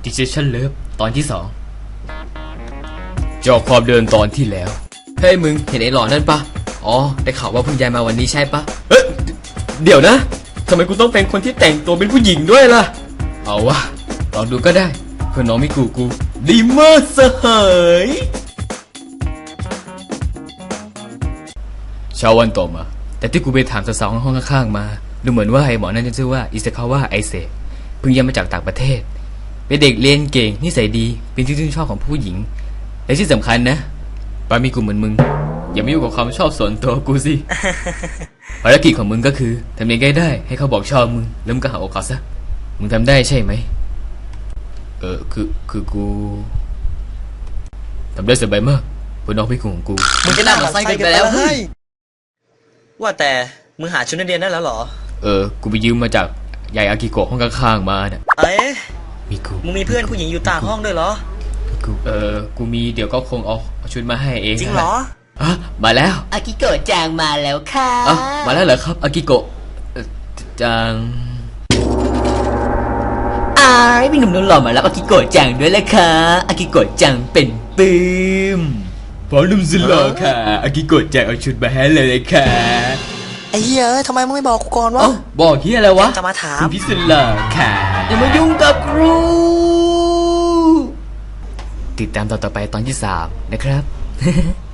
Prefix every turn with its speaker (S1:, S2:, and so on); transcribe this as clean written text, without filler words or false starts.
S1: Decision Love ตอนที่2จอความเดินตอนที่แล้วเฮ้ยมึงเห็นไอ้หล่อนั่นปะอ๋อได้ข่าวว่าเพิ่งย้ายมาวันนี้ใช่ปะเดี๋ยวนะทำไมกูต้องเป็นคนที่แต่งตัวเป็นผู้หญิงด้วยล่ะเอาวะลองดูก็ได้เพื่อนน้องมิกูดีมากสหายเช้าวันต่อมาแต่ที่กูไปถามสาวๆห้องข้างๆมาดูเหมือนว่าไอ้หมอนั่นจะชื่อว่าอิซากาวะไอเซะเพิ่งย้ายมาจากต่างประเทศเป็นเด็กเรียนเก่งนิสัยดีเป็นที่ชื่นชอบของผู้หญิงและที่สำคัญนะปามีกูเหมือนมึงอย่ามายุ่งกับความชอบส่วนตัวกูสิ ภารกิจของมึงก็คือทำยังไงได้ให้เขาบอกชอบมึงแล้วมึงก็หาโอกาสซะมึงทำได้ใช่ไหมคือกูทำได้สบายมากเพื่อนน้องพี่กูของกูมึงจะน่าหมั่นไส้กันไปแล้วเฮ้ย
S2: ว่าแต่มึงหาชุดนักเรียนได้แล้วเหรอ
S1: กูไปยืมมาจากยายอากิโกะห้องข้างๆมาเนี่ยมีกู
S2: มึงมีเพื่อนผู้หญิงอยู่ต่างห้องด้วยเหรอ
S1: กูมีเดี๋ยวก็คงเอาชุดมาให้เอง
S2: จริงเหรอ
S1: มาแล้ว
S3: อากิโกะจางมาแล้วค่ะ
S1: มาแล้วเหรอครับอากิโกะจาง
S3: พี่หนุ่มนุ่นหล่อมาแล้วอากิโกะจังด้วยแหละค่ะอากิโกะจังเป็นปื้ม
S1: พอนุ่มสุดหล่อค่ะอากิโกะจังเอาชุดมาให้เลยค่ะ
S2: ไอ้เหี้ยทำไมมึงไม่บอกกูก่อนวะ
S1: บอกเหี้ยอะไรวะ
S2: จะมาถาม
S1: คุณพี่สุดหล่อค่ะอย่ามายุ่งกับกูติดตามตอนต่อไปตอนที่3นะครับ